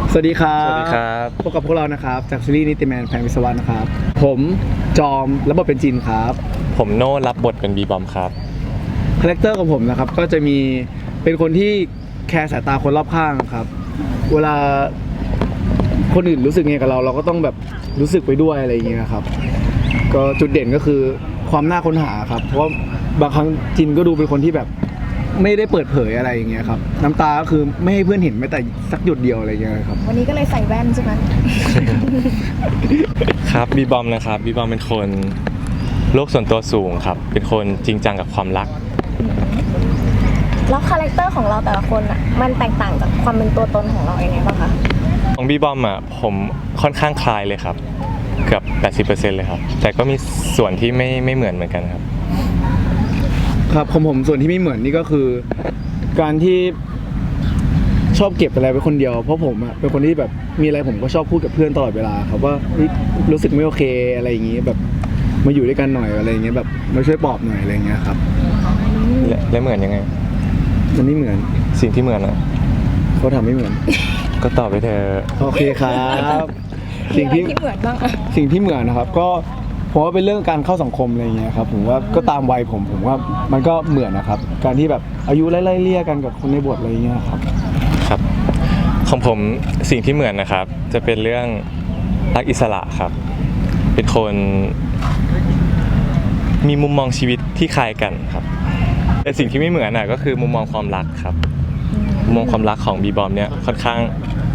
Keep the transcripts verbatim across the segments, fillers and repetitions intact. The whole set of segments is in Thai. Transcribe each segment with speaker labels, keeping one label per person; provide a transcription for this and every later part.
Speaker 1: สวัสดีครับ
Speaker 2: สวัสดีครับ
Speaker 1: พบกับพวกเรานะครับจากซีรีส์นิติแมนแพงวิศวะนะครับผมจอมรับบทเป็นจินครับ
Speaker 2: ผมโน่รับบทเป็นบีบอมครับ
Speaker 1: คาแรคเตอร์ของผมนะครับก็จะมีเป็นคนที่แคร์สายตาคนรอบข้างครับเวลาคนอื่นรู้สึกไงกับเราเราก็ต้องแบบรู้สึกไปด้วยอะไรอย่างเงี้ยครับก็จุดเด่นก็คือความน่าค้นหาครับเพราะว่าบางครั้งจินก็ดูเป็นคนที่แบบไม่ได้เปิดเผยอะไรอย่างเงี้ยครับน้ำตาก็คือไม่ให้เพื่อนเห็นแม้แต่สักหยดเดียวอะไรอย่างเงี้ยครับ
Speaker 3: วันนี้ก็เลยใส่แว่นใช่ไหม
Speaker 2: ครับบีบอมนะครับบีบอมเป็นคนโลกส่วนตัวสูงครับเป็นคนจริงจังกับความรัก
Speaker 3: แล้วคาแรคเตอร์ของเราแต่ละคนอ่ะมันแตกต่างจากความเป็นตัวตนของเราอย่างไงบ้างคะ
Speaker 2: ของบีบอมอ่ะผมค่อนข้างคล้ายเลยครับเกือบ แปดสิบเปอร์เซ็นต์ เลยครับแต่ก็มีส่วนที่ไม่ไม่เหมือนเหมือนกันครับ
Speaker 1: ครับของผมส่วนที่ไม่เหมือนนี่ก็คือการที่ชอบเก็บอะไรไว้คนเดียวเพราะผมอะเป็นคนที่แบบมีอะไรผมก็ชอบพูดกับเพื่อนตลอดเวลาครับว่ารู้สึกไม่โอเคอะไรอย่างงี้แบบมาอยู่ด้วยกันหน่อยอะไรอย่างเงี้ยแบบมาช่วยปลอบหน่อยอะไรอย่างเงี้ยครับ
Speaker 2: และและเหมือนยังไง
Speaker 1: มันไม่เหมือน
Speaker 2: สิ่งที่เหมือนอ่ะ
Speaker 1: เขาทำไม่เหมือน
Speaker 2: ก็ตอบไปเถอะ
Speaker 1: โอเคครับ
Speaker 3: สิ่งที่เหมือนบ้าง
Speaker 1: สิ่งที่เหมือนนะครับก็ผมว่าเป็นเรื่องการเข้าสังคมอะไรอย่างเงี้ยครับผมว่าก็ตามวัยผมผมว่ามันก็เหมือนนะครับการที่แบบอายุไล่ๆเลี่ยกันกับคนในบทอะไรอย่างเงี้ยครับ
Speaker 2: ครับของผมสิ่งที่เหมือนนะครับจะเป็นเรื่องรักอิสระครับเป็นคนมีมุมมองชีวิตที่คล้ายกันครับแต่สิ่งที่ไม่เหมือนน่ะก็คือมุมมองความรักครับมุมมองความรักของบีบอมเนี่ยค่อนข้าง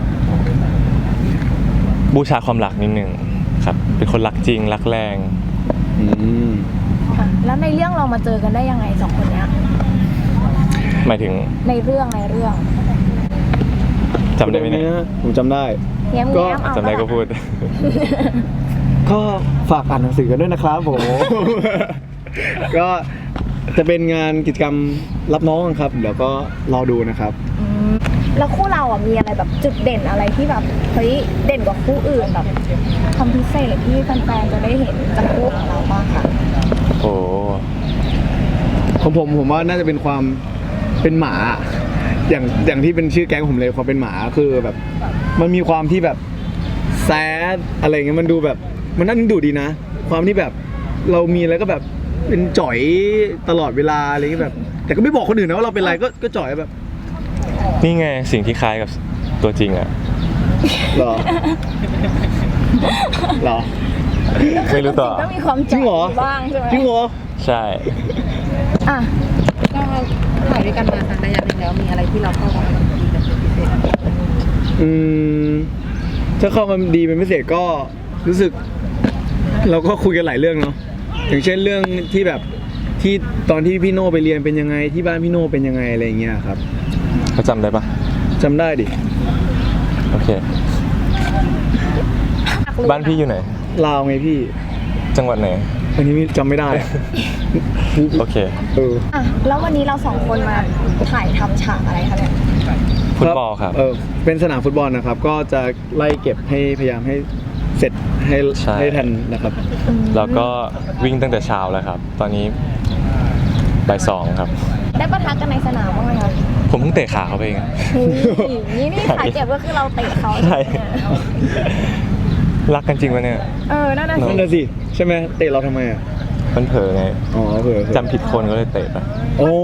Speaker 2: บูชาความรักนิดนึงครับเป็นคนรักจริงรักแรง
Speaker 1: อืม
Speaker 3: แล้วในเรื่องเรามาเจอกันได้ยังไงสองคนเนี้ย
Speaker 2: หมายถึง
Speaker 3: ในเรื่องในเรื่อง
Speaker 2: จำได้ไหมเนี่ย
Speaker 1: ผมจำได้
Speaker 3: ก็
Speaker 2: จำได้ก็พูด
Speaker 1: ก็ฝากอ่านหนังสือกันด้วยนะครับผมก็จะเป็นงานกิจกรรมรับน้องครับเดี๋ยวก็รอดูนะครับ
Speaker 3: แล้วคู่เราอ่ะมีอะไรแบบจุดเด่นอะไรที่แบบเฮ้ยเด่นกว่าคู่อื่นแบบความพิเศษที่แฟนๆจะได้เห็นจากคู่ของเราบ้างค่ะ
Speaker 2: โอ้
Speaker 1: ของผมผมว่าน่าจะเป็นความเป็นหมาอย่างอย่างที่เป็นชื่อแก๊งผมเลยความเป็นหมาคือแบบมันมีความที่แบบแซดอะไรเงี้ยมันดูแบบมันน่าดึงดูดดีนะความที่แบบเรามีอะไรก็แบบเป็นจ่อยตลอดเวลาอะไรเงี้ยแบบแต่ก็ไม่บอกคนอื่นนะว่าเราเป็นอะไรก็ก็จ่อยแบบ
Speaker 2: นี่ไงสิ่งที่คล้ายกับตัวจริงอ่ะ
Speaker 1: หรอหรอ
Speaker 2: ไม่รู้ต่อ
Speaker 3: ก็มีความจริงเหรอบ้างใช่ไหม
Speaker 1: จริงเหรอ
Speaker 2: ใช่
Speaker 3: อ่ะ
Speaker 4: ก็ถ่ายด้วยกันมาสักระยะหนึ่งแล้วมีอะไรที่เราเข้ากันดีเป็นพิเศษ
Speaker 1: อืมถ้าเข้ากันดีเป็นพิเศษก็รู้สึกเราก็คุยกันหลายเรื่องเนาะอย่างเช่นเรื่องที่แบบที่ตอนที่พี่โน่ไปเรียนเป็นยังไงที่บ้านพี่โน่เป็นยังไงอะไรอย่างเงี้ยครับ
Speaker 2: เขาจำได้ปะ
Speaker 1: จำได้ดิ
Speaker 2: โอเคบ้านพี่อยู่ไหน
Speaker 1: ลาวไงพี่
Speaker 2: จังหวัดไหน
Speaker 1: อันนี้จำไม่ได้
Speaker 2: โอเค
Speaker 1: เออ
Speaker 3: อ่ะแล้ววันนี้เราสองคนมาถ่ายทำฉากอะไรคะเนี่ย
Speaker 2: ฟุตบอลครับ
Speaker 1: เออเป็นสนามฟุตบอลนะครับก็จะไล่เก็บให้พยายามให้เสร็จให้ให้ทันนะครับ
Speaker 2: แล้วก็วิ่งตั้งแต่เช้าแล้วครับตอนนี้บ่ายสองครับ
Speaker 3: ได้ปะทะกันในสนามบ้างไหมคะ
Speaker 2: ผมเพิ่งเตะขาเขาไปเอง
Speaker 3: นี่นี่สายเจ็บก็คือเราเตะเขา
Speaker 2: ใช่รักกันจริงปะเนี่ย
Speaker 3: เออนั่นน่ะสิ
Speaker 1: นั่นน่ะสิใช่ไหมเตะเราทำไมอ่ะ
Speaker 2: มันเผลอไง
Speaker 1: อ๋อเผลอ
Speaker 2: จำผิดคนก็เลยเตะไป
Speaker 1: โอ้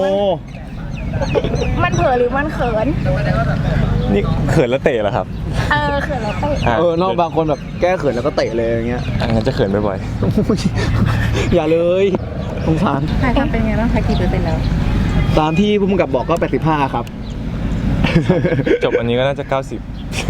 Speaker 3: มันเผลอหรือมันเขิน
Speaker 2: นี่เขินแล้วเตะเหรอครับ
Speaker 3: เออเขินแล้วเตะ
Speaker 1: เออนอกบางคนแบบแก้เขินแล้วก็เตะเลยอย่างเงี้ย
Speaker 2: งั้นจะเขินบ่อย
Speaker 1: ๆอย่าเลยสงสาร
Speaker 4: ถ่ายทำเป็นไงบ้างคะกี่เปอร์เซ็นต์แล้ว
Speaker 1: ตามที่ผู้กำกับบอกก็แปดสิบห้าครับ
Speaker 2: จบอันนี้ก็น่าจะเก้าสิบ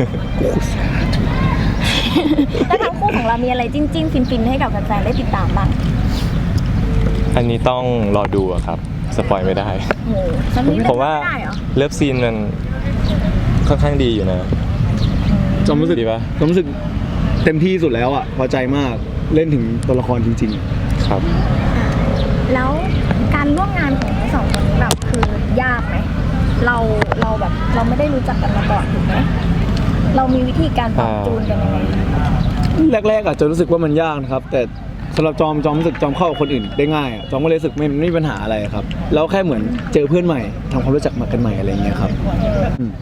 Speaker 3: แล้วทั้งคู่ของเรามีอะไรจิ้นจิ้นฟินฟินให้กับแฟนๆได้ติดตามบ้าง
Speaker 2: อันนี้ต้องรอดูครับสปอยไม่ได้ผมว่าเลิฟซีนมันค่อนข้างดีอยู่นะ
Speaker 1: จอมรู้สึกดีปะจอมรู้สึกเต็มที่สุดแล้วอ่ะพอใจมากเล่นถึงตัวละครจริง
Speaker 2: ๆครับ
Speaker 3: แล้วการร่วมงานของทั้งสองคนนี้แบบคือยากไหมเราเราแบบเราไม่ได้รู้จักกันมาก่อนถูกไหมเรามีวิธีการปรับจูนกันยังไง
Speaker 1: แรกๆอาจจะรู้สึกว่ามันยากนะครับแต่สำหรับจอมจอมรู้สึกจอมเข้ากับคนอื่นได้ง่ายอ่ะจอมก็เลยรู้สึกไม่ไม่มีปัญหาอะไรครับแล้วแค่เหมือนเจอเพื่อนใหม่ทำความรู้จักมากันใหม่อะไรอย่างเงี้ยครับ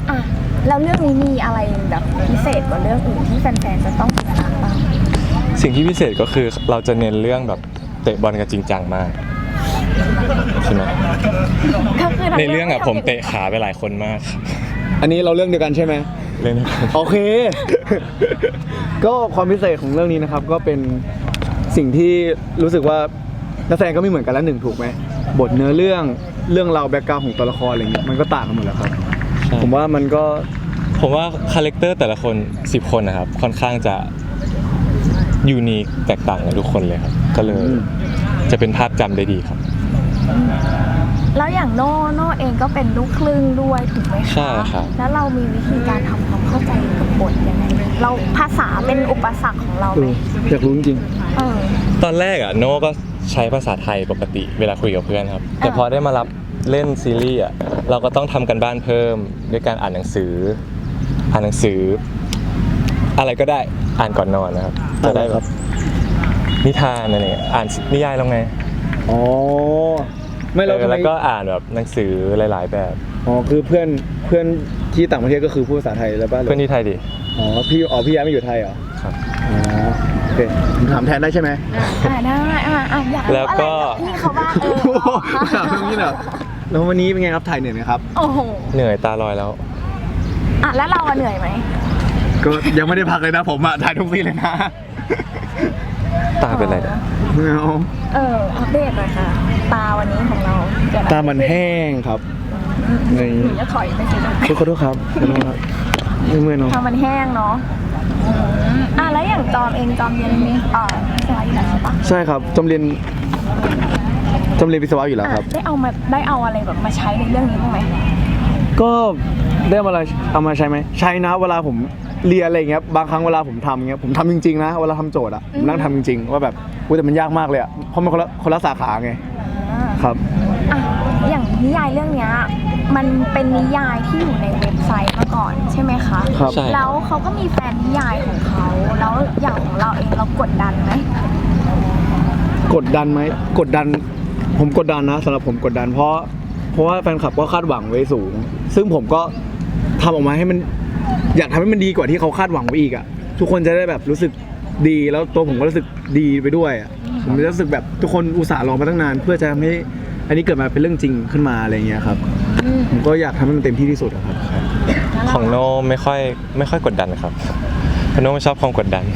Speaker 3: อ่ะแล้วเรื่องนี้มีอะไรแบบพิเศษกว่าเรื่องอื่นที่แฟนๆจะต้องติดตามบ้าง
Speaker 2: สิ่งที่พิเศษก็คือเราจะเน้นเรื่องแบบเตะบอลกันจริงจังมากใช่ไหม
Speaker 3: ก็คือทั้
Speaker 2: ในเรื่องอะผมเตะขาไปหลายคนมากครับ
Speaker 1: อันนี้เราเรื่องเดียวกันใช่ไหม
Speaker 2: เรื่องนี้
Speaker 1: โอเค ก็ความพิเศษของเรื่องนี้นะครับ ก็เป็นสิ่งที่รู้สึกว่านักแสดงก็ไม่เหมือนกันแล้วหนึ่งถูกไหมบทเนื้อเรื่องเรื่องราวแบ็กกราวด์ของตัวละครอะไรเงี้ยมันก็ต่างกันหมดแล้วครับ ผมว่ามันก็
Speaker 2: ผมว่าคาแรคเตอร์แต่ละคนสิบคนนะครับค่อนข้างจะยูนิคแตกต่างกันทุกคนเลยครับก็เลย
Speaker 1: อืม
Speaker 2: จะเป็นภาพจำได้ดีครับ
Speaker 3: แล้วอย่างโน่โน่เองก็เป็นลูกครึ่งด้วยถูกไหมคะ
Speaker 2: ใช่ครับ
Speaker 3: แล้วเรามีวิธีการทำความเข้าใจกับบทยังไงเราภาษาเป็นอุปสรรคของเรา
Speaker 1: เอ
Speaker 3: ไหม
Speaker 1: ออยากรู้จริง
Speaker 3: เออ
Speaker 2: ตอนแรกอะโน่ก็ใช้ภาษาไทยปกติเวลาคุยกับเพื่อนครับ แต่พอได้มารับเล่นซีรีส์อะเราก็ต้องทำกันบ้านเพิ่มด้วยการอ่านหนังสือ อ่านหนังสือ อะไรก็ได้อ่านก่อนนอนนะครับ จะได้แบบนิทานอะไรเงี้ยอ่านนิยายแล้วไง
Speaker 1: อ๋อไม่เรา
Speaker 2: เออ
Speaker 1: ทำไม
Speaker 2: แล้วก็อ่านแบบหนังสือหลาย ๆ แบบ
Speaker 1: อ๋อคือเพื่อนเพื่อนที่ต่างประเทศก็คือพูดภาษาไทยแล้วป่ะหรื
Speaker 2: เพื่อนที่ไทยดิ
Speaker 1: อ๋อพี่อ๋อพี่ย้ายมาอยู่ไทยเหรอ
Speaker 2: ครับ
Speaker 1: อ๋อโอเคผมถามแทนได้ใช่ไหม
Speaker 3: อ่าได้อ่าอ่าอยากรู้
Speaker 2: แล้ว
Speaker 3: อะไร
Speaker 2: ก็
Speaker 3: จากพี่เขาบ้างเออ
Speaker 1: ถามอย่างนี้เหรอแล้ววันนี้เป็นไงครับถ่ายเหนื่อยไหมครับ
Speaker 3: โอ้โห
Speaker 2: เหนื่อยตาลอยแล้ว
Speaker 3: อ่ะแล้วเราอะเหนื่อยไหม
Speaker 1: ก็ยังไม่ได้พักเลยนะผมอะถ่ายทุกซีนเลยนะ
Speaker 2: ตาเป็นไรเนี่ย
Speaker 1: ไม่เอา
Speaker 3: เอออัปเดตหน่อยค่ะ ตาวันนี้ของเราเกิดอะไร
Speaker 1: ตามันแห้งครับใน
Speaker 3: หนูจะถอยไปสิลูก
Speaker 1: ขอโทษครับขอโทษครับไม่เมื่อยเนาะ
Speaker 3: ทางมันแห้งเนาะอืมอ่ะแล้วอย่างจอมเองจอมเรียนเอ่อวิศวะอยู่แล้วใช่ปะ
Speaker 1: ใช่ครับจำเรียนจำเรียนวิศวะอยู่แล้วครับ
Speaker 3: อ่ะได้เอามาได้เอาอะไรแบบมาใช้ในเรื่องนี้บ้างไหม
Speaker 1: ก็ได้มาอะไรเอามาใช้ไหมใช้นะเวลาผมเรียนอะไรเงี้ยบางครั้งเวลาผมทำเงี้ยผมทำจริงๆนะเวลาทำโจทย์อะผมนั่งทำจริงๆว่าแบบอุ้ยแต่มันยากมากเลยอะเพราะมันคนละคนละสาขาไง
Speaker 3: อ่า
Speaker 1: ครับ
Speaker 3: อ่ะอย่างนิยายเรื่องเนี้ยมันเป็นนิยายที่อยู่ในเว็บไซต์มาก่อนใช่ไหมคะ
Speaker 1: ครับ
Speaker 2: ใช่
Speaker 3: แล้วเขาก็มีแฟนนิยายของเขาแล้วอย่างของเราเองเรากดดันไหม
Speaker 1: กดดันไหมกดดันผมกดดันนะสำหรับผมกดดัน เพราะเพราะว่าแฟนคลับก็คาดหวังไว้สูง ซึ่งผมก็ทำออกมาให้มันอยากทำให้มันดีกว่าที่เขาคาดหวังไว้อีกอะทุกคนจะได้แบบรู้สึกดีแล้วตัวผมก็รู้สึกดีไปด้วยอะผมจะรู้สึกแบบทุกคนอุตส่าห์รอมาตั้งนาน เพื่อจะทำให้อันนี้เกิดมาเป็นเรื่องจริงขึ้นมาอะไรเงี้ยครับ
Speaker 3: อืม
Speaker 1: ผมก็อยากทำให้มันเต็มที่ที่สุดอะครับ
Speaker 3: แล้วเรา
Speaker 2: ของโน่ไม่ค่อยไม่ค่อยกดดันครับเพราะโน่ไม่ชอบความกดดัน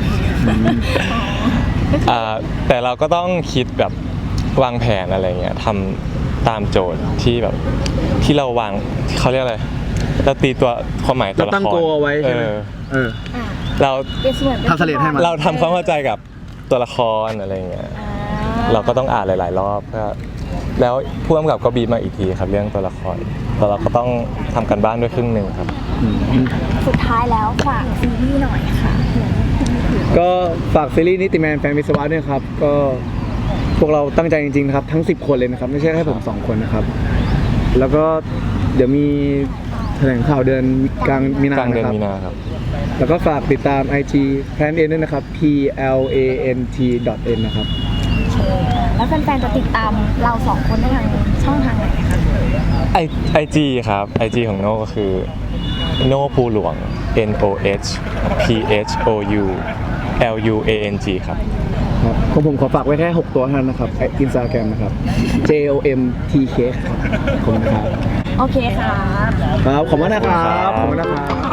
Speaker 2: อ่าแต่เราก็ต้องคิดแบบวางแผนอะไรเงี้ยทำตามโจทย์ที่แบบที่เราวางเขาเรียกอะไรเราตีตัวความหมายตัว
Speaker 1: เรา
Speaker 2: ละคร
Speaker 1: ตั้งโกเอาไว้ใช่ไหม
Speaker 2: เออ
Speaker 1: เออ
Speaker 3: อ่ะ
Speaker 2: เรา
Speaker 3: เปรียบเสมือนป็น
Speaker 1: ทำเสลดให้มัน
Speaker 2: เราทำความเข้าใจกับตัวละครอะไรเงี้ย
Speaker 3: อ่
Speaker 2: เราก็ต้องอ่านหลาย ๆ รอบเพื่อแล้วผู้กำกับก็บีบมาอีกทีครับเรื่องตัวละครแต่เราก็ต้องทำกันบ้านด้วยครึ่งหนึ่งครับ
Speaker 3: สุดท้ายแล้วฝากซีรีส์หน่อยค่ะ
Speaker 1: ก็ฝากซีรีส์นิติแมนแฟนวิศวะด้วยครับก็พวกเราตั้งใจจริงๆนะครับทั้งสิบคนเลยนะครับไม่ใช่แค่ผมสองคนนะครับ แล้วก็เดี๋ยวมีแถลงข่าวเดือนกลางมีนาก
Speaker 2: ลางเดือน
Speaker 1: นะครับ
Speaker 2: มีนาครับ
Speaker 1: แล้วก็ฝากติดตาม ไอ จี Plan N ด้วยนะครับ P L A N T N นะครับ
Speaker 3: แล้วแฟนๆจะติดตามเราสองคนได้ทางช่องทางไหนคะ
Speaker 2: ไอไอจีครับไอจีของโน่ก็คือโน่ภูหลวง N O H P H O U L U A N G ครับ
Speaker 1: ครับของผมขอฝากไว้แค่ หก ตัวเท่านั้นนะครับอินสตาแกรมนะครับ J O M T K ครับขอบคุณครับ
Speaker 3: โอเคค่ะ
Speaker 1: ครับขอบคุณนะครับขอบคุณนะครับ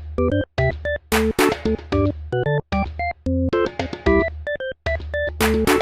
Speaker 3: Thank you.